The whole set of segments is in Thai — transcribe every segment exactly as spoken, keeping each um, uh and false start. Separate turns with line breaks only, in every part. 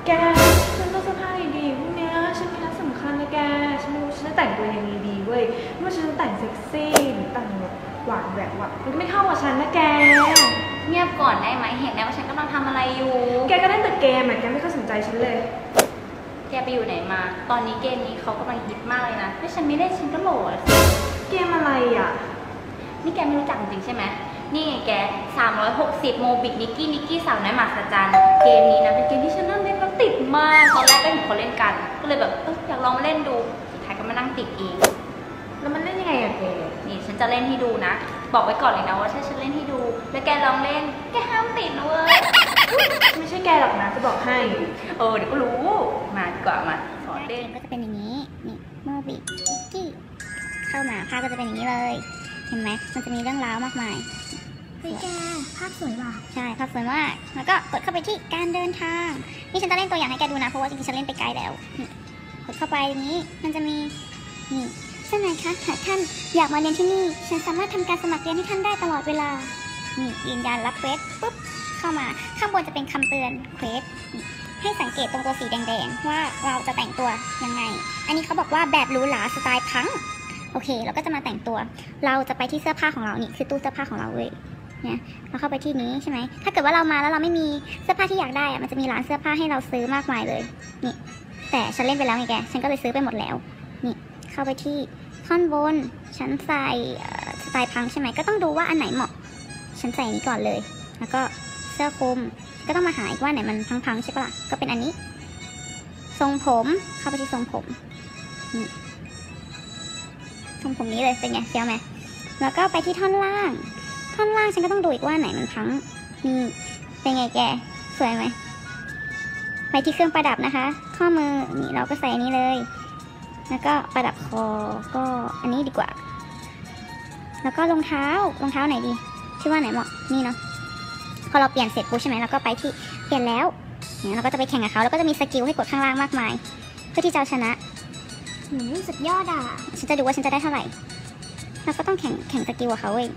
แกฉันต้องเสื้อผ้าดีๆพวกเนี้ยฉันมีนัดสำคัญนะแกฉันรู้ฉันจะแต่งตัวยังไงดีเว้ยไม่ว่าฉันจะแต่งเซ็กซี่หรือแต่งแบบหวานแหวกว่ะมันไม่เข้ากับฉันนะแก
เงียบก่อนได้ไหมเห็นแล้วว่าฉันกำลังทำอะไรอยู่
แกก็เล่นแต่เกมอ่ะแกไม่ค่อยสนใจฉันเลย
แกไปอยู่ไหนมาตอนนี้เกมนี้เขากำลังฮิตมากเลยนะถ้าฉันไม่เล่นฉันก็โหลดสิ
เกมอะไรอ่ะ
นี่แกไม่รู้จักจริงใช่ไหมนี่ไงแกสามร้อยหกสิบโมบิกนิกกี้นิกกี้สาวน้อยมหัศจรรย์เกมนี้นะเป็นเกมที่ฉันนั่งเล่นแล้วติดมากตอนแรกก็เห็นเขาเล่นกันก็เลยแบบอยากลองมาเล่นดูสุดท้ายก็มานั่งติดเอง
แล้วมันเล่นยังไงอะแก
นี่ฉันจะเล่นให้ดูนะบอกไว้ก่อนเลยนะว่าถ้าฉันเล่นให้ดูแล้วแกลองเล่นแกห้ามติดนะเว้ย
ไม่ใช่แกหรอกนะจะบอกให้
เออเดี๋ยวก็รู้มาดีกว่ามาสอนเล่น
ก็จะเป็นอย่างนี้นี่โมบินิกกี้เข้ามาภาพก็จะเป็นอย่างนี้เลยเห็นไหมมันจะมีเรื่องราวมากมาย
เฮ้ยแกภาพสวยว่ะ
ใช่ภาพสวยมากแล้วก็กดเข้าไปที่การเดินทางนี่ฉันจะเล่นตัวอย่างให้แกดูนะเพราะว่าจริงๆฉันเล่นไปไกลแล้วกดเข้าไปอย่างนี้มันจะมีนี่เช่นไรคะหากท่านอยากมาเรียนที่นี่ฉันสามารถทำการสมัครเรียนให้ท่านได้ตลอดเวลานี่ยืนยันรับเควสปุ๊บเข้ามาข้างบนจะเป็นคำเตือนเควสให้สังเกตตรงตัวสีแดงๆว่าเราจะแต่งตัวยังไงอันนี้เขาบอกว่าแบบหรูหราสไตล์พังโอเคเราก็จะมาแต่งตัวเราจะไปที่เสื้อผ้าของเรานี่คือตู้เสื้อผ้าของเราเลยเนี่ยเราเข้าไปที่นี้ใช่ไหมถ้าเกิดว่าเรามาแล้วเราไม่มีเสื้อผ้าที่อยากได้อะมันจะมีร้านเสื้อผ้าให้เราซื้อมากมายเลยนี่แต่ฉันเล่นไปแล้วไงแกฉันก็เลยซื้อไปหมดแล้วนี่เข้าไปที่ท่อนบนฉันใส่สไตล์พังใช่ไหมก็ต้องดูว่าอันไหนเหมาะฉันใส่นี้ก่อนเลยแล้วก็เสื้อคลุมก็ต้องมาหาอีกว่าไหนมันพังๆใช่ปะล่ะก็เป็นอันนี้ทรงผมเข้าไปที่ทรงผมนี่ทรงผมนี้เลยเป็นไงเฟี้ยวไหมแล้วก็ไปที่ท่อนล่างท่อนล่างฉันก็ต้องดูอีกว่าไหนมันพังนี่เป็นไงแกสวยไหมไปที่เครื่องประดับนะคะข้อมือนี่เราก็ใส่อันนี้เลยแล้วก็ประดับคอก็อันนี้ดีกว่าแล้วก็รองเท้ารองเท้าไหนดีคิดว่าไหนเหมาะนี่เนาะพอเราเปลี่ยนเสร็จปุ๊บใช่ไหมเราก็ไปที่เปลี่ยนแล้วเนี่ยเราก็จะไปแข่งกับเขาแล้วก็จะมีสกิลให้กดข้างล่างมากมายเพื่อที่จะชนะ
หืมสุดยอดอ่ะ
ฉันจะดูว่าฉันจะได้เท่าไหร่เราก็ต้องแข่งแข่งสกิลกับเขาเอง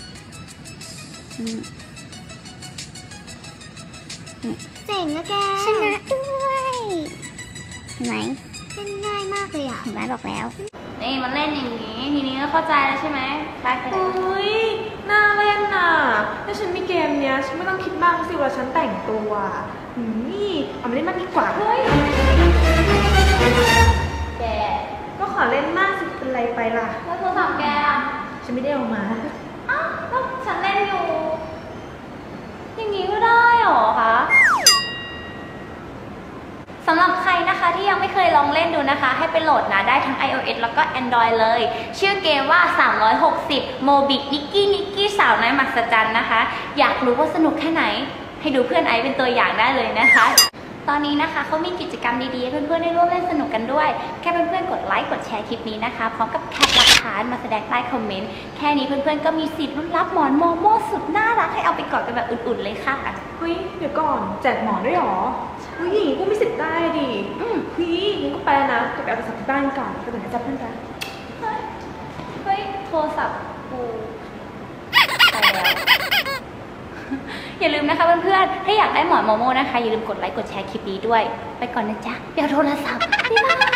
เจ๋งนะแก
ชนะด้วยเห็นไหม
เล่นง่ายมากเลยอ่ะ
เห็นไหมบอกแล้ว
นี่มันเล่นอย่างนี้ทีนี้ก็เข้าใจแล้วใช่ไหมไปไป
เฮ้ยน่าเล่นน่ะถ้าฉันมีเกมเนี้ยฉันไม่ต้องคิดมากสิว่าฉันแต่งตัวนี่เอามาเล่นมากดีกว่าเฮ้ย
แก
ก็ขอเล่นมากสิเป็นไรไปล่ะ
แล้วโทรศัพท์แก
ฉันไม่ได้เอามา
อ้าวแล้วฉันเล่นอยู่อย่างนี้ก็ได้หรอคะสำหรับใครนะคะที่ยังไม่เคยลองเล่นดูนะคะให้ไปโหลดนะได้ทั้ง ไอ โอ เอส แล้วก็ Android เลยชื่อเกมว่าสามร้อยหกสิบโมบินิกกี้นิกกี้สาวน้อยมหัศจรรย์นะคะอยากรู้ว่าสนุกแค่ไหนให้ดูเพื่อนไอซ์เป็นตัวอย่างได้เลยนะคะตอนนี้นะคะเขามีกิจกรรมดีๆให้เพื่อนๆได้ร่วมเล่นสนุกกันด้วยแค่เพื่อนๆกดไลค์กดแชร์คลิปนี้นะคะพร้อมกับแคปหลักฐานมาแสดงใต้คอมเมนต์แค่นี้เพื่อนๆก็มีสิทธิ์ลุ้นรับหมอนโมโม่สุดน่ารักให้เอาไปกอดกันแบบอุ่นๆเลยค่ะ
เฮ้ยเดี๋ยวก่อนแจกหมอนด้วยหรอเฮ้ยอย่างนี้ก็มีสิทธิ์ได้ดิอืมเฮ้ยงั้นก็ไปนะเก็บไปเอาโทรศัพท์ที่บ้านก่อนไปเหมือนจะเพื่อนกัน
เฮ้ยเฮ้ยโทรศัพท์กูไปแล้วอย่าลืมนะคะเพื่อนๆถ้าอยากได้หมอนโมโม่นะคะอย่าลืมกดไลค์กดแชร์คลิปนี้ด้วยไปก่อนนะจ๊ะเดี๋ยวโทรศัพท์บ๊ายบาย